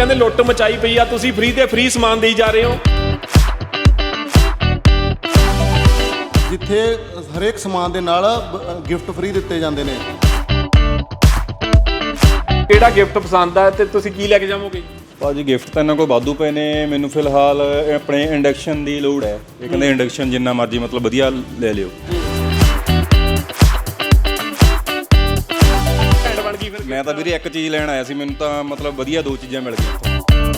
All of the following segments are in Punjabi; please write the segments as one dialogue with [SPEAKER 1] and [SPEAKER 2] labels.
[SPEAKER 1] ਕਹਿੰਦੇ ਲੁੱਟ ਮਚਾਈ ਪਈ ਆ, ਤੁਸੀਂ ਫ੍ਰੀ ਤੇ ਫ੍ਰੀ ਸਮਾਨ ਦੇਈ ਜਾ ਰਹੇ ਹੋ।
[SPEAKER 2] ਜਿੱਥੇ ਹਰੇਕ ਸਮਾਨ ਦੇ ਨਾਲ ਗਿਫਟ ਫ੍ਰੀ ਦਿੱਤੇ ਜਾਂਦੇ ਨੇ।
[SPEAKER 1] ਕਿਹੜਾ ਗਿਫਟ ਪਸੰਦ ਆ ਤੇ ਤੁਸੀਂ ਕੀ ਲੈ ਕੇ ਜਾਵੋਗੇ?
[SPEAKER 3] ਭਾਜੀ ਗਿਫਟ ਤਾਂ ਇਹਨਾਂ ਕੋਲ ਵਾਧੂ ਪਏ ਨੇ। ਮੈਨੂੰ ਫਿਲਹਾਲ ਆਪਣੇ ਇੰਡਕਸ਼ਨ ਦੀ ਲੋੜ ਹੈ। ਇਹ ਕਹਿੰਦੇ ਇੰਡਕਸ਼ਨ ਜਿੰਨਾ ਮਰਜ਼ੀ ਮਤਲਬ ਵਧੀਆ ਲੈ ਲਿਓ। ਮੈਂ ਤਾਂ ਵੀਰੇ ਇੱਕ ਚੀਜ਼ ਲੈਣ ਆਇਆ ਸੀ, ਮੈਨੂੰ ਤਾਂ ਮਤਲਬ ਵਧੀਆ ਦੋ ਚੀਜ਼ਾਂ ਮਿਲ ਗਈਆਂ।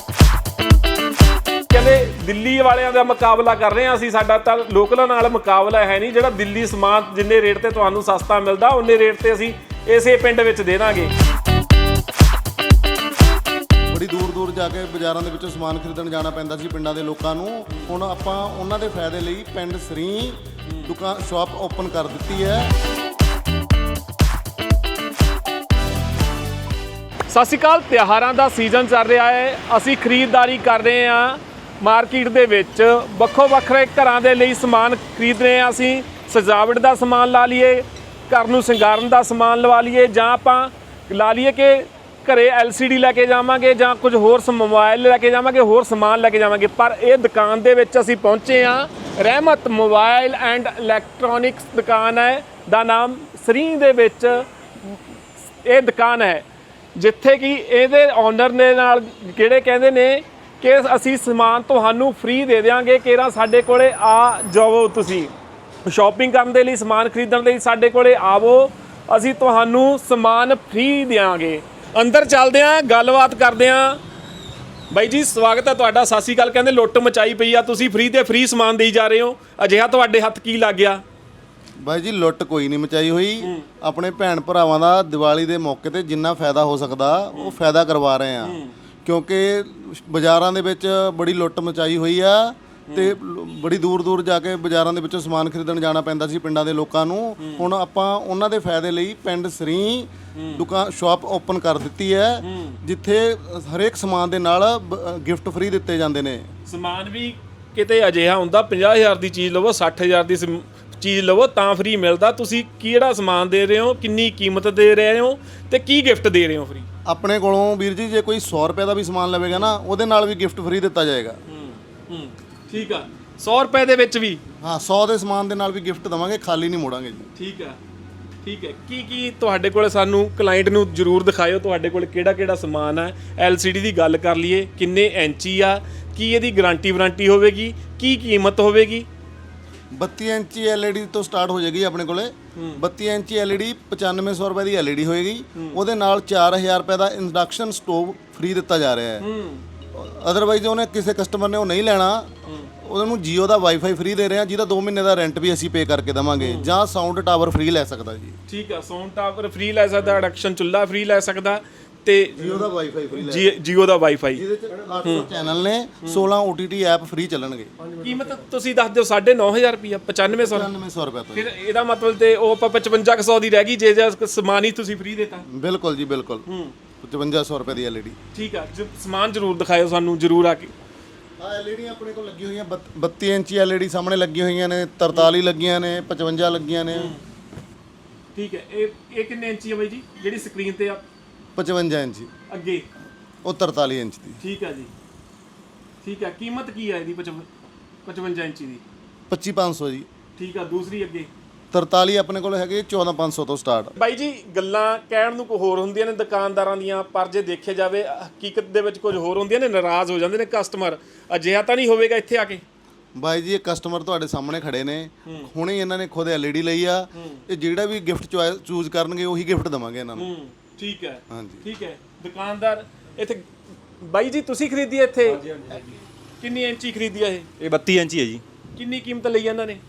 [SPEAKER 1] ਕਹਿੰਦੇ ਦਿੱਲੀ ਵਾਲਿਆਂ ਦਾ ਮੁਕਾਬਲਾ ਕਰ ਰਹੇ ਹਾਂ ਅਸੀਂ, ਸਾਡਾ ਤਾਂ ਲੋਕਲਾਂ ਨਾਲ ਮੁਕਾਬਲਾ ਹੈ ਨਹੀਂ। ਜਿਹੜਾ ਦਿੱਲੀ ਸਮਾਨ ਜਿੰਨੇ ਰੇਟ ਤੇ ਤੁਹਾਨੂੰ ਸਸਤਾ ਮਿਲਦਾ ਉਨੇ ਰੇਟ ਤੇ ਅਸੀਂ ਇਸੇ ਪਿੰਡ ਵਿੱਚ ਦੇ ਦਾਂਗੇ।
[SPEAKER 2] ਬੜੀ ਦੂਰ ਦੂਰ ਜਾ ਕੇ ਬਾਜ਼ਾਰਾਂ ਦੇ ਵਿੱਚੋਂ ਸਮਾਨ ਖਰੀਦਣ ਜਾਣਾ ਪੈਂਦਾ ਸੀ ਪਿੰਡਾਂ ਦੇ ਲੋਕਾਂ ਨੂੰ। ਹੁਣ ਆਪਾਂ ਉਹਨਾਂ ਦੇ ਫਾਇਦੇ ਲਈ ਪਿੰਡ ਸਰੀ ਦੁਕਾਨ ਸ਼ਾਪ ਓਪਨ ਕਰ ਦਿੱਤੀ ਹੈ।
[SPEAKER 1] ਸਤਿ ਸ਼੍ਰੀ ਅਕਾਲ। ਤਿਉਹਾਰਾਂ ਦਾ ਸੀਜ਼ਨ ਚੱਲ ਰਿਹਾ ਹੈ, ਅਸੀਂ ਖਰੀਦਦਾਰੀ ਕਰ ਰਹੇ ਹਾਂ ਮਾਰਕੀਟ ਦੇ ਵਿੱਚ। ਵੱਖੋ ਵੱਖਰੇ ਘਰਾਂ ਦੇ ਲਈ ਸਮਾਨ ਖਰੀਦ ਰਹੇ ਹਾਂ ਅਸੀਂ। ਸਜਾਵਟ ਦਾ ਸਮਾਨ ਲਾ ਲਈਏ, ਘਰ ਨੂੰ ਸ਼ਿੰਗਾਰਨ ਦਾ ਸਮਾਨ ਲਵਾ ਲਈਏ, ਜਾਂ ਆਪਾਂ ਲਾ ਲਈਏ ਕਿ ਘਰੇ LCD ਲੈ ਕੇ ਜਾਵਾਂਗੇ ਜਾਂ ਕੁਝ ਹੋਰ ਮੋਬਾਈਲ ਲੈ ਕੇ ਜਾਵਾਂਗੇ, ਹੋਰ ਸਮਾਨ ਲੈ ਕੇ ਜਾਵਾਂਗੇ। ਪਰ ਇਹ ਦੁਕਾਨ ਦੇ ਵਿੱਚ ਅਸੀਂ ਪਹੁੰਚੇ ਹਾਂ। ਰਹਿਮਤ ਮੋਬਾਈਲ ਐਂਡ ਇਲੈਕਟ੍ਰੋਨਿਕਸ ਦੁਕਾਨ ਹੈ, ਦਾ ਨਾਮ ਸਰੀ ਦੇ ਵਿੱਚ ਇਹ ਦੁਕਾਨ ਹੈ, ਜਿੱਥੇ ਕਿ ਇਹਦੇ ਓਨਰ ਦੇ ਨਾਲ ਕਿਹੜੇ ਕਹਿੰਦੇ ਨੇ ਕਿ ਅਸੀਂ ਸਮਾਨ ਤੁਹਾਨੂੰ ਫ੍ਰੀ ਦੇ ਦਿਆਂਗੇ। ਕਿਹੜਾ ਸਾਡੇ ਕੋਲੇ ਆ ਜਾਵੋ, ਤੁਸੀਂ ਸ਼ਾਪਿੰਗ ਕਰਨ ਦੇ ਲਈ, ਸਮਾਨ ਖਰੀਦਣ ਲਈ ਸਾਡੇ ਕੋਲੇ ਆਵੋ, ਅਸੀਂ ਤੁਹਾਨੂੰ ਸਮਾਨ ਫ੍ਰੀ ਦਿਆਂਗੇ। ਅੰਦਰ ਚੱਲਦੇ ਹਾਂ, ਗੱਲਬਾਤ ਕਰਦੇ ਹਾਂ। ਬਾਈ ਜੀ ਸਵਾਗਤ ਹੈ ਤੁਹਾਡਾ, ਸਤਿ ਸ਼੍ਰੀ ਅਕਾਲ। ਕਹਿੰਦੇ ਲੁੱਟ ਮਚਾਈ ਪਈ ਆ, ਤੁਸੀਂ ਫ੍ਰੀ ਤੇ ਫ੍ਰੀ ਸਮਾਨ ਦੇਈ ਜਾ ਰਹੇ ਹੋ। ਅਜਿਹਾ ਤੁਹਾਡੇ ਹੱਥ ਕੀ ਲੱਗ ਗਿਆ?
[SPEAKER 2] ਬਾਈ ਜੀ ਲੁੱਟ ਕੋਈ ਨਹੀਂ ਮਚਾਈ ਹੋਈ। ਆਪਣੇ ਭੈਣ ਭਰਾਵਾਂ ਦਾ ਦੀਵਾਲੀ ਦੇ ਮੌਕੇ ਤੇ ਜਿੰਨਾ ਫਾਇਦਾ ਹੋ ਸਕਦਾ ਉਹ ਫਾਇਦਾ ਕਰਵਾ ਰਹੇ ਆ, ਕਿਉਂਕਿ ਬਾਜ਼ਾਰਾਂ ਦੇ ਵਿੱਚ ਬੜੀ ਲੁੱਟ ਮਚਾਈ ਹੋਈ ਆ ਤੇ ਬੜੀ ਦੂਰ ਦੂਰ ਜਾ ਕੇ ਬਾਜ਼ਾਰਾਂ ਦੇ ਵਿੱਚੋਂ ਸਮਾਨ ਖਰੀਦਣ ਜਾਣਾ ਪੈਂਦਾ ਸੀ ਪਿੰਡਾਂ ਦੇ ਲੋਕਾਂ ਨੂੰ। ਹੁਣ ਆਪਾਂ ਉਹਨਾਂ ਦੇ ਫਾਇਦੇ ਲਈ ਪਿੰਡ ਸਰੀ ਦੁਕਾਨ ਸ਼ਾਪ ਓਪਨ ਕਰ ਦਿੱਤੀ ਹੈ, ਜਿੱਥੇ ਹਰੇਕ ਸਮਾਨ ਦੇ ਨਾਲ ਗਿਫਟ ਫ੍ਰੀ ਦਿੱਤੇ ਜਾਂਦੇ ਨੇ।
[SPEAKER 1] ਸਮਾਨ ਵੀ ਕਿਤੇ ਅਜਿਹਾ ਹੁੰਦਾ 50,000 ਦੀ ਚੀਜ਼ ਲਵੋ, 60,000 ਦੀ ਚੀਜ਼ ਲਵੋ ਤਾਂ ਫ੍ਰੀ ਮਿਲਦਾ। ਤੁਸੀਂ ਕਿਹੜਾ ਸਮਾਨ ਦੇ ਰਹੇ ਹੋ, ਕਿੰਨੀ ਕੀਮਤ ਦੇ ਰਹੇ ਹੋ ਤੇ ਕੀ ਗਿਫਟ ਦੇ ਰਹੇ ਹੋ ਫ੍ਰੀ?
[SPEAKER 2] ਆਪਣੇ ਕੋਲੋਂ ਵੀਰ ਜੀ ਜੇ ਕੋਈ 100 ਰੁਪਏ ਦਾ ਵੀ ਸਮਾਨ ਲਵੇਗਾ ਨਾ, ਉਹਦੇ ਨਾਲ ਵੀ ਗਿਫਟ ਫ੍ਰੀ ਦਿੱਤਾ ਜਾਏਗਾ।
[SPEAKER 1] ਠੀਕ ਆ, 100 ਰੁਪਏ ਦੇ ਵਿੱਚ ਵੀ?
[SPEAKER 2] ਹਾਂ, 100 ਦੇ ਸਮਾਨ ਦੇ ਨਾਲ ਵੀ ਗਿਫਟ ਦਵਾਂਗੇ, ਖਾਲੀ ਨਹੀਂ ਮੋੜਾਂਗੇ ਜੀ।
[SPEAKER 1] ਠੀਕ ਆ, ਠੀਕ ਹੈ। ਕੀ ਤੁਹਾਡੇ ਕੋਲ ਸਾਨੂੰ ਕਲਾਇੰਟ ਨੂੰ ਜ਼ਰੂਰ ਦਿਖਾਇਓ ਤੁਹਾਡੇ ਕੋਲ ਕਿਹੜਾ ਸਮਾਨ ਹੈ। LCD ਦੀ ਗੱਲ ਕਰ ਲਈਏ, ਕਿੰਨੇ ਇੰਚੀ ਆ, ਕੀ ਇਹਦੀ ਗਾਰੰਟੀ ਵਾਰੰਟੀ ਹੋਵੇਗੀ, ਕੀ ਕੀਮਤ ਹੋਵੇਗੀ?
[SPEAKER 2] 32 ਇੰਚੀ LED ਤੋਂ ਸਟਾਰਟ ਹੋ ਜਾਏਗੀ ਆਪਣੇ ਕੋਲੇ। 32 ਇੰਚੀ LED 9500 ਰੁਪਏ ਦੀ LED ਹੋਏਗੀ। ਉਹਦੇ ਨਾਲ 4000 ਰੁਪਏ ਦਾ ਇੰਡਕਸ਼ਨ ਸਟੋਵ ਫ੍ਰੀ ਦਿੱਤਾ ਜਾ ਰਿਹਾ ਹੈ। ਅਦਰਵਾਈਜ਼ ਉਹਨੇ ਕਿਸੇ ਕਸਟਮਰ ਨੇ ਉਹ ਨਹੀਂ ਲੈਣਾ, ਉਹਨੂੰ ਜੀਓ ਦਾ ਵਾਈਫਾਈ ਫ੍ਰੀ ਦੇ ਰਹੇ ਹਾਂ, ਜਿਹਦਾ 2 ਮਹੀਨੇ ਦਾ ਰੈਂਟ ਵੀ ਅਸੀਂ ਪੇ ਕਰਕੇ ਦੇਵਾਂਗੇ, ਜਾਂ ਸਾਊਂਡ ਟਾਵਰ ਫ੍ਰੀ ਲੈ ਸਕਦਾ ਜੀ।
[SPEAKER 1] ਠੀਕ ਆ, ਸਾਊਂਡ ਟਾਵਰ ਫ੍ਰੀ ਲੈ ਸਕਦਾ, ਇੰਡਕਸ਼ਨ ਚੁੱਲ੍ਹਾ ਫ੍ਰੀ ਲੈ ਸਕਦਾ ਤੇ
[SPEAKER 2] ਜੀਓ ਦਾ ਵਾਈਫਾਈ ਫ੍ਰੀ
[SPEAKER 1] ਜੀਓ ਦਾ ਵਾਈਫਾਈ।
[SPEAKER 2] ਜਿਹਦੇ ਚ 800 ਚੈਨਲ ਨੇ, 16 OTT ਐਪ ਫ੍ਰੀ ਚੱਲਣਗੇ।
[SPEAKER 1] ਕੀਮਤ ਤੁਸੀਂ ਦੱਸ ਦਿਓ। 9,500 ਰੁਪਇਆ, 9500
[SPEAKER 2] ਰੁਪਏ ਤੋਂ।
[SPEAKER 1] ਫਿਰ ਇਹਦਾ ਮਤਲਬ ਤੇ ਉਹ ਆਪਾਂ 5500 ਦੀ ਰਹਿ ਗਈ ਜੇ ਸਮਾਨ ਹੀ ਤੁਸੀਂ ਫ੍ਰੀ ਦੇਤਾ।
[SPEAKER 2] ਬਿਲਕੁਲ ਜੀ ਬਿਲਕੁਲ। 5500 ਰੁਪਏ ਦੀ LED।
[SPEAKER 1] ਠੀਕ ਆ, ਸਮਾਨ ਜ਼ਰੂਰ ਦਿਖਾਇਓ ਸਾਨੂੰ, ਜ਼ਰੂਰ ਆ ਕੇ।
[SPEAKER 2] LED ਆਪਣੇ ਕੋਲ ਲੱਗੀ ਹੋਈਆਂ 32 ਇੰਚੀ LED ਸਾਹਮਣੇ ਲੱਗੀਆਂ ਹੋਈਆਂ ਨੇ, 43 ਲੱਗੀਆਂ ਨੇ, 55 ਲੱਗੀਆਂ ਨੇ।
[SPEAKER 1] ਠੀਕ ਹੈ। ਇਹ ਕਿੰਨੇ ਇੰਚੀ ਹੈ ਬਾਈ ਜੀ ਜਿਹੜੀ ਸਕਰੀਨ ਤੇ ਆ?
[SPEAKER 2] 55 ਇੰਚੀ।
[SPEAKER 1] ਅੱਗੇ
[SPEAKER 2] ਉਹ 43 ਇੰਚ ਦੀ।
[SPEAKER 1] ਠੀਕ ਹੈ ਜੀ, ਠੀਕ ਹੈ। ਕੀਮਤ ਕੀ ਹੈ ਇਹਦੀ 55 ਇੰਚੀ ਦੀ?
[SPEAKER 2] 25,500 ਜੀ।
[SPEAKER 1] ਠੀਕ ਆ। ਦੂਸਰੀ ਅੱਗੇ
[SPEAKER 2] 43 ਆਪਣੇ ਕੋਲ ਹੈਗੇ 14,500 ਤੋਂ ਸਟਾਰਟ।
[SPEAKER 1] ਬਾਈ ਜੀ ਗੱਲਾਂ ਕਹਿਣ ਨੂੰ ਕੋਈ ਹੋਰ ਹੁੰਦੀਆਂ ਨੇ ਦੁਕਾਨਦਾਰਾਂ ਦੀਆਂ, ਪਰ ਜੇ ਦੇਖਿਆ ਜਾਵੇ ਹਕੀਕਤ ਦੇ ਵਿੱਚ ਕੁਝ ਹੋਰ ਹੁੰਦੀਆਂ ਨੇ। ਨਾਰਾਜ਼ ਹੋ ਜਾਂਦੇ ਨੇ ਕਸਟਮਰ। ਅਜਿਹਾ ਤਾਂ ਨਹੀਂ ਹੋਵੇਗਾ ਇੱਥੇ ਆ ਕੇ?
[SPEAKER 2] ਬਾਈ ਜੀ ਇਹ ਕਸਟਮਰ ਤੁਹਾਡੇ ਸਾਹਮਣੇ ਖੜੇ ਨੇ, ਹੁਣੇ ਇਹਨਾਂ ਨੇ ਖੁਦ LED ਲਈ ਆ। ਇਹ ਜਿਹੜਾ ਵੀ ਗਿਫਟ ਚੂਜ਼ ਕਰਨਗੇ ਉਹੀ ਗਿਫਟ ਦੇਵਾਂਗੇ ਇਹਨਾਂ ਨੂੰ।
[SPEAKER 1] ਠੀਕ ਹੈ,
[SPEAKER 2] ਹਾਂਜੀ
[SPEAKER 1] ਠੀਕ ਹੈ। ਦੁਕਾਨਦਾਰ ਇੱਥੇ ਬਾਈ ਜੀ ਤੁਸੀਂ ਖਰੀਦੀ ਹੈ ਇੱਥੇ? ਕਿੰਨੀ ਇੰਚੀ ਖਰੀਦੀ ਹੈ
[SPEAKER 3] ਇਹ 32 ਇੰਚੀ ਹੈ ਜੀ।
[SPEAKER 1] ਕਿੰਨੀ ਕੀਮਤ ਲਈ ਇਹਨਾਂ ਨੇ?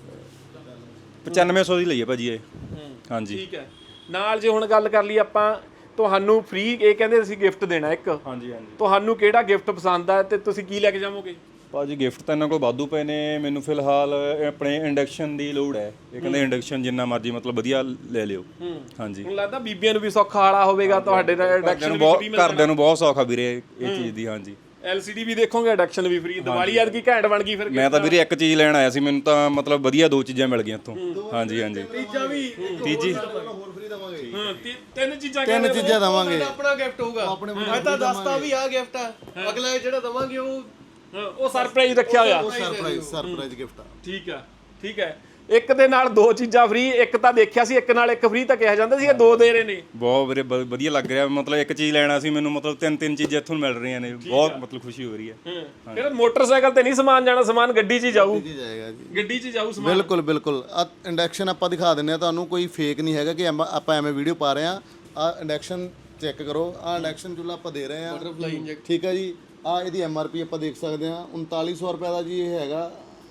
[SPEAKER 3] 9500 ਦੀ ਲਈ ਹੈ ਭਾਜੀ ਇਹ। ਹਾਂਜੀ
[SPEAKER 1] ਠੀਕ ਹੈ। ਨਾਲ ਜੇ ਹੁਣ ਗੱਲ ਕਰ ਲਈ ਆਪਾਂ, ਤੁਹਾਨੂੰ ਫ੍ਰੀ ਇਹ ਕਹਿੰਦੇ ਅਸੀਂ ਗਿਫਟ ਦੇਣਾ ਇੱਕ।
[SPEAKER 3] ਹਾਂਜੀ।
[SPEAKER 1] ਤੁਹਾਨੂੰ ਕਿਹੜਾ ਗਿਫਟ ਪਸੰਦ ਆ ਤੇ ਤੁਸੀਂ ਕੀ ਲੈ ਕੇ ਜਾਵੋਗੇ?
[SPEAKER 3] ਭਾਜੀ ਗਿਫਟ ਤਾਂ ਇਹਨਾਂ ਕੋਲ ਵਾਧੂ ਪਏ ਨੇ। ਮੈਨੂੰ ਫਿਲਹਾਲ ਆਪਣੇ ਇੰਡਕਸ਼ਨ ਦੀ ਲੋੜ ਹੈ। ਇਹ ਕਹਿੰਦੇ ਇੰਡਕਸ਼ਨ ਜਿੰਨਾ ਮਰਜ਼ੀ ਮਤਲਬ ਵਧੀਆ ਲੈ ਲਿਓ। ਹਾਂਜੀ।
[SPEAKER 1] ਮੈਨੂੰ ਲੱਗਦਾ ਬੀਬੀਆਂ ਨੂੰ ਵੀ ਸੌਖਾ ਵਾਲਾ ਹੋਵੇਗਾ ਤੁਹਾਡੇ ਨਾਲ। ਇੰਡਕਸ਼ਨ ਵੀ
[SPEAKER 3] ਘਰਦਿਆਂ ਨੂੰ ਬਹੁਤ ਸੌਖਾ ਵੀਰੇ ਇਹ ਚੀਜ਼ ਦੀ। ਹਾਂਜੀ।
[SPEAKER 1] LCD ਵੀ ਦੇਖੋਗੇ, ਇੰਡਕਸ਼ਨ ਵੀ ਫ੍ਰੀ। ਦੀਵਾਲੀ ਐਤਕੀ ਘੈਂਟ ਬਣ ਗਈ ਫਿਰ।
[SPEAKER 3] ਮੈਂ ਤਾਂ ਵੀਰੇ ਇੱਕ ਚੀਜ਼ ਲੈਣ ਆਇਆ ਸੀ, ਮੈਨੂੰ ਤਾਂ ਮਤਲਬ ਵਧੀਆ ਦੋ ਚੀਜ਼ਾਂ ਮਿਲ ਗਈਆਂ ਇੱਥੋਂ। ਹਾਂਜੀ।
[SPEAKER 1] ਤੀਜਾ ਵੀ
[SPEAKER 3] ਤੀਜੀ
[SPEAKER 2] ਦਵਾਂਗੇ
[SPEAKER 1] ਹਾਂ ਤਿੰਨ ਚੀਜ਼ਾਂ
[SPEAKER 2] ਤਿੰਨ ਚੀਜ਼ਾਂ ਦਵਾਂਗੇ
[SPEAKER 4] ਆਪਣਾ ਗਿਫਟ ਹੋਊਗਾ ਮੈਂ ਤਾਂ ਦੱਸਤਾ ਵੀ ਆ ਗਿਫਟ ਆ ਅਗਲਾ ਜਿਹੜਾ ਦਵਾਂਗੇ ਉਹ
[SPEAKER 1] ਸਰਪ੍ਰਾਈਜ਼ ਰੱਖਿਆ ਹੋਇਆ
[SPEAKER 2] ਉਹ ਸਰਪ੍ਰਾਈਜ਼ ਗਿਫਟ ਆ।
[SPEAKER 1] ਠੀਕ ਹੈ ਇੱਕ ਦੇ ਨਾਲ ਦੋ ਚੀਜ਼ਾਂ ਫ੍ਰੀ, ਇੱਕ ਤਾਂ ਦੇਖਿਆ ਸੀ ਇੱਕ ਨਾਲ ਇੱਕ ਫ੍ਰੀ ਤਾਂ ਕਿਹਾ ਜਾਂਦਾ ਸੀ, ਇਹ ਦੋ ਦੇ ਰਹੇ ਨੇ।
[SPEAKER 3] ਬਹੁਤ ਵੀਰੇ ਵਧੀਆ ਲੱਗ ਰਿਹਾ, ਮਤਲਬ ਇੱਕ ਚੀਜ਼ ਲੈਣਾ ਸੀ ਮੈਨੂੰ, ਮਤਲਬ ਤਿੰਨ ਚੀਜ਼ਾਂ ਇੱਥੋਂ ਮਿਲ ਰਹੀਆਂ ਨੇ, ਬਹੁਤ ਮਤਲਬ ਖੁਸ਼ੀ ਹੋ ਰਹੀ ਹੈ।
[SPEAKER 1] ਫਿਰ ਮੋਟਰਸਾਈਕਲ ਤੇ ਨਹੀਂ ਸਮਾਨ ਜਾਣਾ, ਸਮਾਨ ਗੱਡੀ 'ਚ ਹੀ ਜਾਊ,
[SPEAKER 2] ਜਾਏਗਾ ਜੀ
[SPEAKER 1] ਗੱਡੀ 'ਚ ਜਾਊ ਸਮਾਨ।
[SPEAKER 2] ਬਿਲਕੁਲ ਆ ਇੰਡਕਸ਼ਨ ਆਪਾਂ ਦਿਖਾ ਦਿੰਨੇ ਆ ਤੁਹਾਨੂੰ, ਕੋਈ ਫੇਕ ਨਹੀਂ ਹੈਗਾ ਕਿ ਆਪਾਂ ਐਵੇਂ ਵੀਡੀਓ ਪਾ ਰਹੇ ਆ। ਆ ਇੰਡਕਸ਼ਨ ਚੈੱਕ ਕਰੋ, ਆ ਇੰਡਕਸ਼ਨ ਚੁੱਲ੍ਹਾ ਆਪਾਂ ਦੇ ਰਹੇ ਆ, ਠੀਕ ਹੈ ਜੀ। ਆ ਇਹਦੀ MRP ਆਪਾਂ ਦੇਖ ਸਕਦੇ ਆ 3900 ਰੁਪਏ ਦਾ ਜੀ ਇਹ ਹੈਗਾ।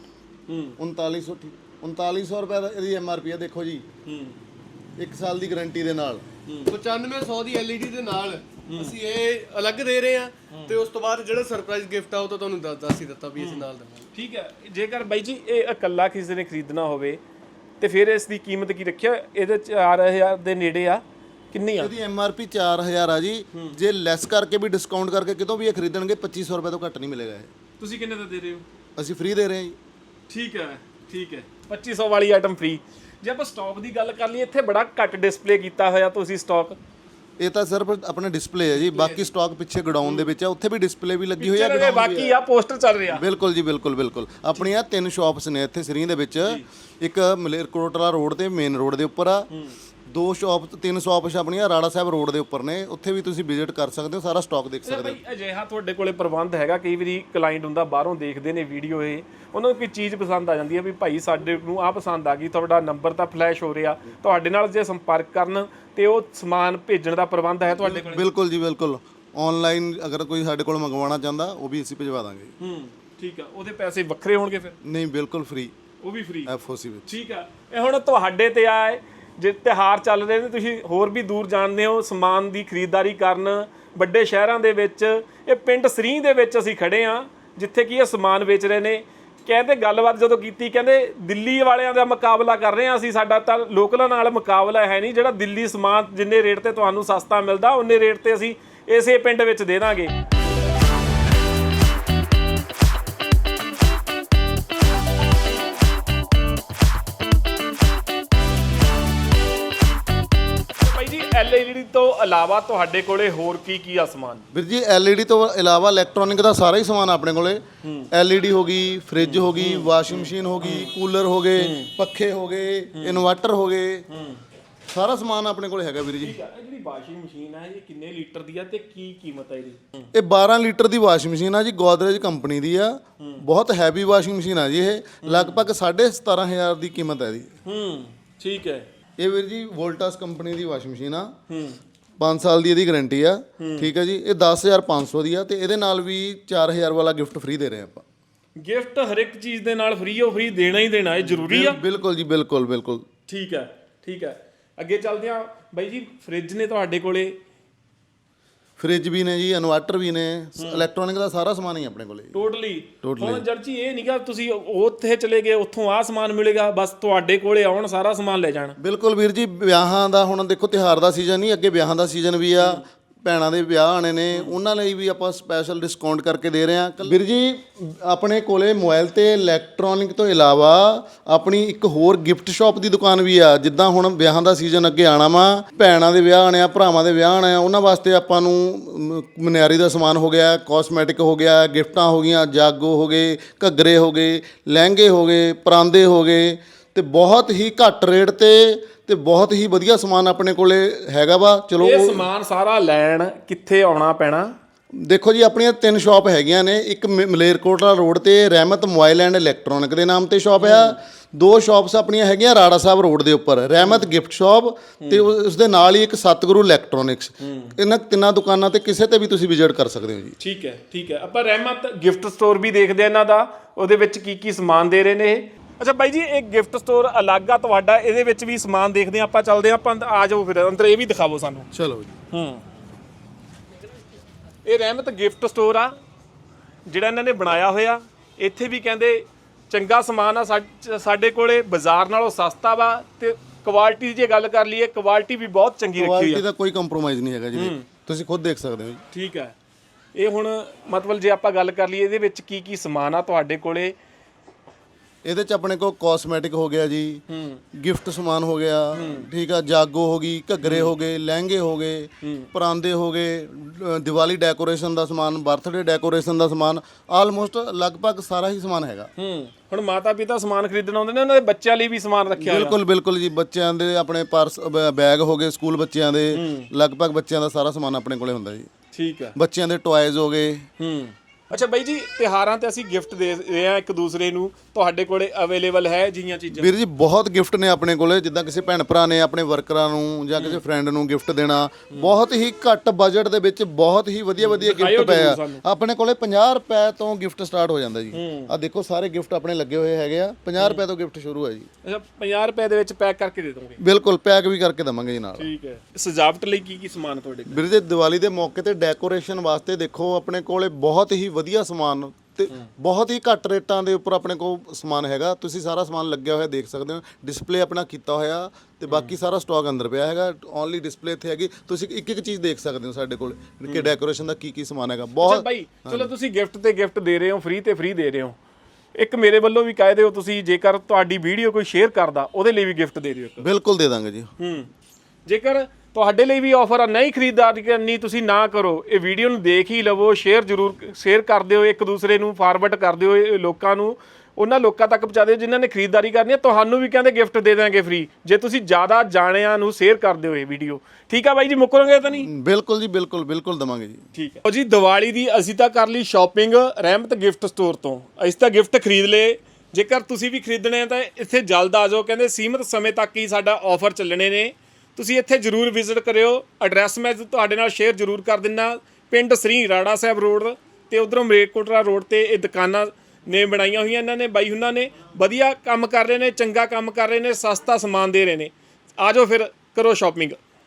[SPEAKER 2] 3900 ਰੁਪਏ ਦਾ ਇਹਦੀ MRP ਆ, ਦੇਖੋ ਜੀ 1 ਸਾਲ ਦੀ ਗਾਰੰਟੀ ਦੇ ਨਾਲ
[SPEAKER 4] 9500 ਦੀ LED ਦੇ ਨਾਲ ਅਸੀਂ ਇਹ ਅਲੱਗ ਦੇ ਰਹੇ ਆ, ਤੇ ਉਸ ਤੋਂ ਬਾਅਦ ਜਿਹੜਾ ਸਰਪ੍ਰਾਈਜ਼ ਗਿਫਟ ਆ ਉਹ ਤਾਂ ਤੁਹਾਨੂੰ ਦੱਸ ਹੀ ਦਿੱਤਾ ਵੀ ਅਸੀਂ ਨਾਲ ਦਵਾਂਗੇ।
[SPEAKER 1] ਠੀਕ ਹੈ, ਜੇਕਰ ਬਾਈ ਜੀ ਇਹ ਇਕੱਲਾ ਕਿਸੇ ਨੇ ਖਰੀਦਣਾ ਹੋਵੇ ਤੇ ਫਿਰ ਇਸ ਦੀ ਕੀਮਤ ਕੀ ਰੱਖਿਆ? ਇਹਦੇ 4000 ਦੇ ਨੇੜੇ ਆ, ਕਿੰਨੀ ਆ?
[SPEAKER 2] ਇਹਦੀ MRP 4000 ਆ ਜੀ। ਜੇ ਲੈਸ ਕਰਕੇ ਵੀ ਡਿਸਕਾਊਂਟ ਕਰਕੇ ਕਿਤੋਂ ਵੀ ਇਹ ਖਰੀਦਣਗੇ 2500 ਰੁਪਏ ਤੋਂ ਘੱਟ ਨਹੀਂ ਮਿਲੇਗਾ ਇਹ।
[SPEAKER 1] ਤੁਸੀਂ ਕਿੰਨੇ ਦਾ ਦੇ ਰਹੇ ਹੋ?
[SPEAKER 2] ਅਸੀਂ ਫ੍ਰੀ ਦੇ ਰਹੇ ਹਾਂ ਜੀ।
[SPEAKER 1] ਠੀਕ ਹੈ 2500 ਵਾਲੀ ਆਈਟਮ ਫ੍ਰੀ। ਜੇ ਆਪਾਂ ਸਟਾਕ ਦੀ ਗੱਲ ਕਰ ਲਈਏ, ਇੱਥੇ ਬੜਾ ਘੱਟ ਡਿਸਪਲੇ ਕੀਤਾ ਹੋਇਆ ਤੁਸੀਂ ਸਟਾਕ।
[SPEAKER 2] ਇਹ ਤਾਂ ਸਿਰਫ ਆਪਣਾ ਡਿਸਪਲੇ ਹੈ ਜੀ, ਬਾਕੀ ਸਟਾਕ ਪਿੱਛੇ ਗਡਾਊਨ ਦੇ ਵਿੱਚ ਆ, ਉੱਥੇ ਵੀ ਡਿਸਪਲੇ ਵੀ ਲੱਗੀ ਹੋਈ ਆ,
[SPEAKER 1] ਬਾਕੀ ਆ ਪੋਸਟਰ ਚੱਲ ਰਿਹਾ।
[SPEAKER 2] ਬਿਲਕੁਲ ਜੀ ਬਿਲਕੁਲ। ਆਪਣੀਆਂ 3 ਸ਼ਾਪਸ ਨੇ ਇੱਥੇ ਸਰੀ ਦੇ ਵਿੱਚ, ਇੱਕ ਮਲੇਰਕੋਟਲਾ ਰੋਡ ਤੇ ਮੇਨ ਰੋਡ ਦੇ ਉੱਪਰ ਆ, 3 ਸ਼ਾਪਸ ਆਪਣੀਆਂ ਰਾੜਾ ਸਾਹਿਬ ਰੋਡ ਦੇ ਉੱਪਰ ਨੇ, ਉੱਥੇ ਵੀ ਤੁਸੀਂ ਵਿਜ਼ਿਟ ਕਰ ਸਕਦੇ ਹੋ, ਸਾਰਾ ਸਟਾਕ ਦੇਖ ਸਕਦੇ ਹੋ।
[SPEAKER 1] ਭਾਈ ਅਜਿਹਾ ਤੁਹਾਡੇ ਕੋਲੇ ਪ੍ਰਬੰਧ ਹੈਗਾ? ਕਈ ਵਾਰੀ ਕਲਾਇੰਟ ਹੁੰਦਾ ਬਾਹਰੋਂ ਦੇਖਦੇ ਨੇ ਵੀਡੀਓ, ਇਹ ਉਹਨਾਂ ਨੂੰ ਕੋਈ ਚੀਜ਼ ਪਸੰਦ ਆ ਜਾਂਦੀ ਹੈ ਵੀ ਭਾਈ ਸਾਡੇ ਨੂੰ ਆਹ ਪਸੰਦ ਆ ਗਈ, ਤੁਹਾਡਾ ਨੰਬਰ ਤਾਂ ਫਲੈਸ਼ ਹੋ ਰਿਹਾ, ਤੁਹਾਡੇ ਨਾਲ ਜੇ ਸੰਪਰਕ ਕਰਨ ਤੇ ਉਹ ਸਮਾਨ ਭੇਜਣ ਦਾ ਪ੍ਰਬੰਧ ਹੈ ਤੁਹਾਡੇ ਕੋਲ?
[SPEAKER 2] ਬਿਲਕੁਲ ਜੀ ਬਿਲਕੁਲ। ਆਨਲਾਈਨ ਅਗਰ ਕੋਈ ਸਾਡੇ ਕੋਲ ਮੰਗਵਾਉਣਾ ਚਾਹੁੰਦਾ ਉਹ ਵੀ ਅਸੀਂ ਭਿਜਵਾ ਦਾਂਗੇ।
[SPEAKER 1] ਠੀਕ ਆ, ਉਹਦੇ ਪੈਸੇ ਵੱਖਰੇ ਹੋਣਗੇ ਫਿਰ?
[SPEAKER 2] ਨਹੀਂ, ਬਿਲਕੁਲ ਫ੍ਰੀ,
[SPEAKER 1] ਉਹ ਵੀ ਫ੍ਰੀ
[SPEAKER 2] FOC ਵਿੱਚ।
[SPEAKER 1] ਠੀਕ ਆ। ਇਹ ਹੁਣ ਤੁਹਾਡੇ ਤੇ ਆਏ, ਜੇ ਤਿਉਹਾਰ ਚੱਲ ਰਹੇ ਨੇ, ਤੁਸੀਂ ਹੋਰ ਵੀ ਦੂਰ ਜਾਣਦੇ ਹੋ ਸਮਾਨ ਦੀ ਖਰੀਦਦਾਰੀ ਕਰਨ ਵੱਡੇ ਸ਼ਹਿਰਾਂ ਦੇ ਵਿੱਚ। ਇਹ ਪਿੰਡ ਸਰੀ ਦੇ ਵਿੱਚ ਅਸੀਂ ਖੜੇ ਆ, ਜਿੱਥੇ ਕਿ ਇਹ ਸਮਾਨ ਵੇਚ ਰਹੇ ਨੇ। ਕਹਿੰਦੇ ਗੱਲਬਾਤ ਜਦੋਂ ਕੀਤੀ, ਕਹਿੰਦੇ ਦਿੱਲੀ ਵਾਲਿਆਂ ਦਾ ਮੁਕਾਬਲਾ ਕਰ ਰਹੇ ਆ ਅਸੀਂ, ਸਾਡਾ ਤਾਂ ਲੋਕਲਾਂ ਨਾਲ ਮੁਕਾਬਲਾ ਹੈ ਨਹੀਂ। ਜਿਹੜਾ ਦਿੱਲੀ ਸਮਾਨ ਜਿੰਨੇ ਰੇਟ ਤੇ ਤੁਹਾਨੂੰ ਸਸਤਾ ਮਿਲਦਾ, ਉਨੇ ਰੇਟ ਤੇ ਅਸੀਂ ਇਸੇ ਪਿੰਡ ਵਿੱਚ ਦੇ ਦਾਂਗੇ। LED ਤੋਂ ਇਲਾਵਾ ਤੁਹਾਡੇ ਕੋਲੇ ਹੋਰ ਕੀ ਆ ਸਮਾਨ?
[SPEAKER 2] ਵੀਰ ਜੀ LED ਤੋਂ ਇਲਾਵਾ ਇਲੈਕਟ੍ਰੋਨਿਕ ਦਾ ਸਾਰਾ ਹੀ ਸਮਾਨ ਆਪਣੇ ਕੋਲੇ। LED ਹੋ ਗਈ, ਫ੍ਰਿਜ ਹੋ ਗਈ, ਵਾਸ਼ਿੰਗ ਮਸ਼ੀਨ ਹੋ ਗਈ, ਕੂਲਰ ਹੋ ਗਏ, ਪੱਖੇ ਹੋ ਗਏ, ਇਨਵਰਟਰ ਹੋ ਗਏ, ਸਾਰਾ ਸਮਾਨ ਆਪਣੇ ਕੋਲੇ ਹੈਗਾ ਵੀਰ ਜੀ।
[SPEAKER 1] ਇਹ ਜਿਹੜੀ ਵਾਸ਼ਿੰਗ ਮਸ਼ੀਨ ਹੈ, ਇਹ ਕਿੰਨੇ ਲੀਟਰ ਦੀ ਆ ਤੇ ਕੀ ਕੀਮਤ ਹੈ ਇਹਦੀ?
[SPEAKER 2] ਇਹ 12 ਲੀਟਰ ਦੀ ਵਾਸ਼ਿੰਗ ਮਸ਼ੀਨ ਆ ਜੀ, ਗੋਦਰੇਜ ਕੰਪਨੀ ਦੀ ਆ। ਬਹੁਤ ਹੈਵੀ ਵਾਸ਼ਿੰਗ ਮਸ਼ੀਨ ਆ ਜੀ ਇਹ, ਲਗਭਗ 17500 ਦੀ ਕੀਮਤ ਹੈ ਇਹਦੀ।
[SPEAKER 1] ਠੀਕ ਹੈ।
[SPEAKER 2] ਇਹ ਵੀਰ ਜੀ ਵੋਲਟਾਸ ਕੰਪਨੀ ਦੀ ਵਾਸ਼ਿੰਗ ਮਸ਼ੀਨ ਆ, 5 ਸਾਲ ਦੀ ਇਹਦੀ ਗਾਰੰਟੀ ਆ। ਠੀਕ ਹੈ ਜੀ, ਇਹ 10500 ਦੀ ਆ, ਤੇ ਇਹਦੇ ਨਾਲ ਵੀ 4000 ਵਾਲਾ ਗਿਫਟ ਫ੍ਰੀ ਦੇ ਰਹੇ ਆਪਾਂ।
[SPEAKER 1] ਗਿਫਟ ਹਰ ਇੱਕ ਚੀਜ਼ ਦੇ ਨਾਲ ਫ੍ਰੀ ਹੋ, ਫ੍ਰੀ ਦੇਣਾ ਹੀ ਦੇਣਾ, ਇਹ ਜ਼ਰੂਰੀ ਆ।
[SPEAKER 2] ਬਿਲਕੁਲ ਜੀ ਬਿਲਕੁਲ।
[SPEAKER 1] ਠੀਕ ਹੈ। ਅੱਗੇ ਚੱਲਦੇ ਆ ਬਾਈ ਜੀ, ਫ੍ਰਿਜ ਨੇ ਤੁਹਾਡੇ ਕੋਲੇ?
[SPEAKER 2] ਫ੍ਰਿਜ ਵੀ ਨੇ ਜੀ, ਇਨਵਰਟਰ ਵੀ ਨੇ, ਇਲੈਕਟ੍ਰੋਨਿਕ ਦਾ ਸਾਰਾ ਸਮਾਨ ਹੀ ਆਪਣੇ ਕੋਲੇ।
[SPEAKER 1] ਟੋਟਲੀ। ਹੁਣ ਜਦ ਜੀ ਇਹ ਨਹੀਂਗਾ ਤੁਸੀਂ ਉੱਥੇ ਚਲੇ ਗਏ, ਉੱਥੋਂ ਆਹ ਸਮਾਨ ਮਿਲੇਗਾ, ਬਸ ਤੁਹਾਡੇ ਕੋਲੇ ਆਉਣ ਸਾਰਾ ਸਮਾਨ ਲੈ ਜਾਣ। ਬਿਲਕੁਲ
[SPEAKER 2] ਵੀਰ ਜੀ, ਵਿਆਹਾਂ ਦਾ ਹੁਣ ਦੇਖੋ ਤਿਉਹਾਰ ਦਾ ਸੀਜ਼ਨ ਨਹੀਂ, ਅੱਗੇ ਵਿਆਹਾਂ ਦਾ ਸੀਜ਼ਨ ਵੀ ਆ, ਭੈਣਾਂ ਦੇ ਵਿਆਹ ਆਣੇ ਨੇ, ਉਹਨਾਂ ਲਈ ਵੀ ਆਪਾਂ ਸਪੈਸ਼ਲ ਡਿਸਕਾਊਂਟ ਕਰਕੇ ਦੇ ਰਹੇ ਹਾਂ। ਵੀਰ ਜੀ ਆਪਣੇ ਕੋਲੇ ਮੋਬਾਈਲ ਤੇ ਇਲੈਕਟ੍ਰੋਨਿਕ ਤੋਂ ਇਲਾਵਾ ਆਪਣੀ ਇੱਕ ਹੋਰ ਗਿਫਟ ਸ਼ਾਪ ਦੀ ਦੁਕਾਨ ਵੀ ਆ। ਜਿੱਦਾਂ ਹੁਣ ਵਿਆਹਾਂ ਦਾ ਸੀਜ਼ਨ ਅੱਗੇ ਆਣਾ ਵਾ, ਭੈਣਾਂ ਦੇ ਵਿਆਹ ਆਣੇ ਆ, ਭਰਾਵਾਂ ਦੇ ਵਿਆਹ ਆਣੇ ਆ, ਉਹਨਾਂ ਵਾਸਤੇ ਆਪਾਂ ਨੂੰ ਮਨਿਆਰੀ ਦਾ ਸਮਾਨ ਹੋ ਗਿਆ, ਕਾਸਮੈਟਿਕ ਹੋ ਗਿਆ, ਗਿਫਟਾਂ ਹੋ ਗਈਆਂ, ਜਾਗੋ ਹੋ ਗਏ, ਘੱਗਰੇ ਹੋ ਗਏ, ਲਹਿੰਗੇ ਹੋ ਗਏ, ਪਰਾਂਦੇ ਹੋ ਗਏ, ਤੇ ਬਹੁਤ ਹੀ ਘੱਟ ਰੇਟ ਤੇ ਬਹੁਤ ਹੀ ਵਧੀਆ ਸਮਾਨ ਆਪਣੇ ਕੋਲੇ ਹੈਗਾ ਵਾ। ਚਲੋ
[SPEAKER 1] ਇਹ ਸਮਾਨ ਸਾਰਾ ਲੈਣ ਕਿੱਥੇ ਆਉਣਾ ਪੈਣਾ?
[SPEAKER 2] ਦੇਖੋ ਜੀ, ਆਪਣੀਆਂ 3 ਸ਼ਾਪ ਹੈਗੀਆਂ ਨੇ, ਇੱਕ ਮਲੇਰਕੋਟਲਾ ਰੋਡ ਤੇ ਰਹਿਮਤ ਮੋਬਾਈਲ ਐਂਡ ਇਲੈਕਟ੍ਰੋਨਿਕ ਦੇ ਨਾਮ ਤੇ ਸ਼ਾਪ ਆ। 2 ਸ਼ਾਪਸ ਆਪਣੀਆਂ ਹੈਗੀਆਂ ਰਾੜਾ ਸਾਹਿਬ ਰੋਡ ਦੇ ਉੱਪਰ, ਰਹਿਮਤ ਗਿਫਟ ਸ਼ਾਪ ਤੇ ਉਸ ਦੇ ਨਾਲ ਹੀ ਇੱਕ ਸਤਿਗੁਰੂ ਇਲੈਕਟ੍ਰੋਨਿਕਸ। ਇਹਨਾਂ 3 ਦੁਕਾਨਾਂ ਤੇ ਕਿਸੇ ਤੇ ਵੀ ਤੁਸੀਂ ਵਿਜ਼ਿਟ ਕਰ ਸਕਦੇ ਹੋ ਜੀ।
[SPEAKER 1] ਠੀਕ ਹੈ। ਆਪਾਂ ਰਹਿਮਤ ਗਿਫਟ ਸਟੋਰ ਵੀ ਦੇਖਦੇ ਆ ਇਹਨਾਂ ਦਾ, ਉਹਦੇ ਵਿੱਚ ਕੀ ਸਮਾਨ ਦੇ ਰਹੇ ਨੇ ਇਹ। ਅੱਛਾ ਬਾਈ ਜੀ, ਇਹ ਗਿਫਟ ਸਟੋਰ ਅਲੱਗ ਆ ਤੁਹਾਡਾ, ਇਹਦੇ ਵਿੱਚ ਵੀ ਸਮਾਨ ਦੇਖਦੇ ਆ ਆਪਾਂ, ਚੱਲਦੇ ਆ ਆਪਾਂ, ਆ ਜਾਓ ਫਿਰ ਅੰਦਰ, ਇਹ ਵੀ ਦਿਖਾਵੋ ਸਾਨੂੰ।
[SPEAKER 2] ਚਲੋ ਜੀ।
[SPEAKER 1] ਇਹ ਰਹਿਮਤ ਗਿਫਟ ਸਟੋਰ ਆ ਜਿਹੜਾ ਇਹਨਾਂ ਨੇ ਬਣਾਇਆ ਹੋਇਆ। ਇੱਥੇ ਵੀ ਕਹਿੰਦੇ ਚੰਗਾ ਸਮਾਨ ਆ, ਸਾਡੇ ਕੋਲੇ ਬਾਜ਼ਾਰ ਨਾਲੋਂ ਸਸਤਾ ਵਾ, ਤੇ ਕੁਆਲਿਟੀ ਦੀ ਜੇ ਗੱਲ ਕਰ ਲਈਏ, ਕੁਆਲਿਟੀ ਵੀ ਬਹੁਤ ਚੰਗੀ ਰੱਖੀ ਹੋਈ ਆ।
[SPEAKER 2] ਕੁਆਲਿਟੀ ਦਾ ਕੋਈ ਕੰਪਰੋਮਾਈਜ਼ ਨਹੀਂ ਹੈਗਾ ਜੀ, ਤੁਸੀਂ ਖੁਦ ਦੇਖ ਸਕਦੇ ਹੋ ਜੀ।
[SPEAKER 1] ਠੀਕ ਹੈ। ਇਹ ਹੁਣ ਮਤਲਬ ਜੇ ਆਪਾਂ ਗੱਲ ਕਰ ਲਈਏ, ਇਹਦੇ ਵਿੱਚ ਕੀ ਸਮਾਨ ਆ ਤੁਹਾਡੇ ਕੋਲੇ?
[SPEAKER 2] ਇਹਦੇ ਚ ਆਪਣੇ ਕੋਲ ਕਾਸਮੈਟਿਕ ਹੋ ਗਿਆ ਜੀ, ਗਿਫਟ ਸਮਾਨ ਹੋ ਗਿਆ, ਠੀਕ ਆ, ਜਾਗੋ ਹੋ ਗਈ, ਘੱਗਰੇ ਹੋ ਗਏ, ਲਹਿੰਗੇ ਹੋ ਗਏ, ਪਰਾਂਦੇ ਹੋ ਗਏ, ਦੀਵਾਲੀ ਡੈਕੋਰੇਸ਼ਨ ਦਾ ਸਮਾਨ, ਬਰਥਡੇ ਡੈਕੋਰੇਸ਼ਨ ਦਾ ਸਮਾਨ, ਆਲਮੋਸਟ ਲਗਭਗ ਸਾਰਾ ਹੀ ਸਮਾਨ ਹੈਗਾ।
[SPEAKER 1] ਹੁਣ ਮਾਤਾ ਪਿਤਾ ਸਮਾਨ ਖਰੀਦਣ ਆਉਂਦੇ ਨੇ, ਉਹਨਾਂ ਦੇ ਬੱਚਿਆਂ ਲਈ ਵੀ ਸਮਾਨ ਰੱਖਿਆ ਹੋਇਆ।
[SPEAKER 2] ਬਿਲਕੁਲ ਬਿਲਕੁਲ ਜੀ, ਬੱਚਿਆਂ ਦੇ ਆਪਣੇ ਪਰਸ, ਬੈਗ ਹੋ ਗਏ ਸਕੂਲ ਬੱਚਿਆਂ ਦੇ, ਲਗਭਗ ਬੱਚਿਆਂ ਦਾ ਸਾਰਾ ਸਮਾਨ ਆਪਣੇ ਕੋਲੇ ਹੁੰਦਾ ਜੀ।
[SPEAKER 1] ਠੀਕ ਹੈ।
[SPEAKER 2] ਬੱਚਿਆਂ ਦੇ ਟੌਇਜ਼ ਹੋ ਗਏ।
[SPEAKER 1] ਅੱਛਾ ਬਾਈ ਜੀ, ਤਿਉਹਾਰਾਂ ਤੇ ਅਸੀਂ ਗਿਫਟ ਦੇ ਰਹੇ ਆ ਇੱਕ ਦੂਸਰੇ ਨੂੰ, ਤੁਹਾਡੇ ਕੋਲੇ ਅਵੇਲੇਬਲ ਹੈ ਜਿਹੀਆਂ ਚੀਜ਼ਾਂ?
[SPEAKER 2] ਵੀਰ ਜੀ ਬਹੁਤ ਗਿਫਟ ਨੇ ਆਪਣੇ ਕੋਲੇ, ਜਿੱਦਾਂ ਕਿਸੇ ਭੈਣ ਭਰਾ ਨੇ ਆਪਣੇ ਵਰਕਰਾਂ ਨੂੰ ਜਾਂ ਕਿਸੇ ਫਰੈਂਡ ਨੂੰ ਗਿਫਟ ਦੇਣਾ, ਬਹੁਤ ਹੀ ਘੱਟ ਬਜਟ ਦੇ ਵਿੱਚ ਬਹੁਤ ਹੀ ਵਧੀਆ ਗਿਫਟ ਪਏ ਆ ਆਪਣੇ ਕੋਲੇ। 50 ਰੁਪਏ ਤੋਂ ਗਿਫਟ ਸਟਾਰਟ ਹੋ ਜਾਂਦਾ ਜੀ। ਆ ਦੇਖੋ ਸਾਰੇ ਗਿਫਟ ਆਪਣੇ ਲੱਗੇ ਹੋਏ ਹੈਗੇ ਆ, 50 ਰੁਪਏ ਤੋਂ ਗਿਫਟ ਸ਼ੁਰੂ ਹੈ ਜੀ।
[SPEAKER 1] ਅੱਛਾ, 50 ਰੁਪਏ ਦੇ ਵਿੱਚ ਪੈਕ ਕਰਕੇ ਦੇ ਦੋਗੇ?
[SPEAKER 2] ਬਿਲਕੁਲ, ਪੈਕ ਵੀ ਕਰਕੇ ਦਵਾਂਗੇ ਜੀ ਨਾਲ।
[SPEAKER 1] ਠੀਕ ਹੈ। ਸਜਾਵਟ ਲਈ ਕੀ ਸਮਾਨ ਤੁਹਾਡੇ ਕੋਲ?
[SPEAKER 2] ਵੀਰ ਜੀ ਦੀਵਾਲੀ ਦੇ ਮੌਕੇ ਤੇ ਡੈਕੋਰੇਸ਼ਨ ਵਾਸਤੇ ਦੇਖੋ ਆਪਣੇ ਕੋਲੇ ਬਹੁਤ ਹੀ ਵਧੀਆ ਸਮਾਨ ਤੇ ਬਹੁਤ ਹੀ ਘੱਟ ਰੇਟਾਂ ਦੇ ਉੱਪਰ ਆਪਣੇ ਕੋਲ ਸਮਾਨ ਹੈਗਾ। ਤੁਸੀਂ ਸਾਰਾ ਸਮਾਨ ਲੱਗਿਆ ਹੋਇਆ ਦੇਖ ਸਕਦੇ ਹੋ, ਡਿਸਪਲੇ ਆਪਣਾ ਕੀਤਾ ਹੋਇਆ, ਤੇ ਬਾਕੀ ਸਾਰਾ ਸਟਾਕ ਅੰਦਰ ਪਿਆ ਹੈਗਾ। ਓਨਲੀ ਡਿਸਪਲੇ ਇੱਥੇ ਹੈਗੀ, ਤੁਸੀਂ ਇੱਕ ਇੱਕ ਚੀਜ਼ ਦੇਖ ਸਕਦੇ ਹੋ ਸਾਡੇ ਕੋਲ ਕਿ ਡੈਕੋਰੇਸ਼ਨ ਦਾ ਕੀ ਸਮਾਨ ਹੈਗਾ। ਬਹੁਤ
[SPEAKER 1] ਬਾਈ ਚਲੋ, ਤੁਸੀਂ ਗਿਫਟ ਤੇ ਗਿਫਟ ਦੇ ਰਹੇ ਹੋ, ਫ੍ਰੀ ਤੇ ਫ੍ਰੀ ਦੇ ਰਹੇ ਹੋ। ਇੱਕ ਮੇਰੇ ਵੱਲੋਂ ਵੀ ਕਹਿ ਦਿਓ, ਤੁਸੀਂ ਜੇਕਰ ਤੁਹਾਡੀ ਵੀਡੀਓ ਕੋਈ ਸ਼ੇਅਰ ਕਰਦਾ ਉਹਦੇ ਲਈ ਵੀ ਗਿਫਟ ਦੇ ਦਿਓ ਇੱਕ।
[SPEAKER 2] ਬਿਲਕੁਲ ਦੇ ਦਾਂਗੇ ਜੀ।
[SPEAKER 1] ਜੇਕਰ ਤੁਹਾਡੇ ਲਈ ਵੀ ਆਫਰ ਆ, ਨਹੀਂ ਖਰੀਦਦਾਰੀ ਕਰਨੀ ਤੁਸੀਂ ਨਾ ਕਰੋ, ਇਹ ਵੀਡੀਓ ਨੂੰ ਦੇਖ ਹੀ ਲਵੋ, ਸ਼ੇਅਰ ਕਰ ਦਿਓ, ਇੱਕ ਦੂਸਰੇ ਨੂੰ ਫਾਰਵਰਡ ਕਰ ਦਿਓ, ਇਹ ਲੋਕਾਂ ਨੂੰ, ਉਹਨਾਂ ਲੋਕਾਂ ਤੱਕ ਪਹੁੰਚਾ ਦਿਓ ਜਿਨ੍ਹਾਂ ਨੇ ਖਰੀਦਦਾਰੀ ਕਰਨੀ ਹੈ। ਤੁਹਾਨੂੰ ਵੀ ਕਹਿੰਦੇ ਗਿਫਟ ਦੇ ਦਾਂਗੇ ਫ੍ਰੀ, ਜੇ ਤੁਸੀਂ ਜ਼ਿਆਦਾ ਜਾਣਿਆਂ ਨੂੰ ਸ਼ੇਅਰ ਕਰ ਦਿਓ ਇਹ ਵੀਡੀਓ। ਠੀਕ ਆ ਬਾਈ ਜੀ, ਮੁੱਕਰੋਗੇ ਤਾਂ ਨਹੀਂ?
[SPEAKER 2] ਬਿਲਕੁਲ ਜੀ, ਬਿਲਕੁਲ ਦਵਾਂਗੇ ਜੀ।
[SPEAKER 1] ਠੀਕ ਹੈ ਜੀ। ਦੀਵਾਲੀ ਦੀ ਅਸੀਂ ਤਾਂ ਕਰ ਲਈ ਸ਼ਾਪਿੰਗ ਰਹਿਮਤ ਗਿਫਟ ਸਟੋਰ ਤੋਂ, ਅਸੀਂ ਤਾਂ ਗਿਫਟ ਖਰੀਦ ਲਏ। ਜੇਕਰ ਤੁਸੀਂ ਵੀ ਖਰੀਦਣੇ ਆ ਤਾਂ ਇੱਥੇ ਜਲਦ ਆ ਜਾਓ, ਕਹਿੰਦੇ ਸੀਮਿਤ ਸਮੇਂ ਤੱਕ ਹੀ ਸਾਡਾ ਆਫਰ ਚੱਲਣੇ ਨੇ। ਤੁਸੀਂ ਇੱਥੇ ਜ਼ਰੂਰ ਵਿਜ਼ਿਟ ਕਰਿਓ। ਐਡਰੈਸ ਮੈਂ ਤੁਹਾਡੇ ਨਾਲ ਸ਼ੇਅਰ ਜ਼ਰੂਰ ਕਰ ਦਿੰਦਾ, ਪਿੰਡ ਸ੍ਰੀ ਰਾੜਾ ਸਾਹਿਬ ਰੋਡ ਤੇ ਉਧਰੋਂ ਮਰੇਕੋਟਲਾ ਰੋਡ ਤੇ ਇਹ ਦੁਕਾਨਾਂ ਨੇ ਬਣਾਈਆਂ ਹੋਈਆਂ ਇਹਨਾਂ ਨੇ। ਬਾਈ ਉਹਨਾਂ ਨੇ ਵਧੀਆ ਕੰਮ ਕਰ ਰਹੇ ਨੇ, ਚੰਗਾ ਕੰਮ ਕਰ ਰਹੇ ਨੇ, ਸਸਤਾ ਸਮਾਨ ਦੇ ਰਹੇ ਨੇ। ਆ ਜਾਓ ਫਿਰ ਕਰੋ ਸ਼ਾਪਿੰਗ।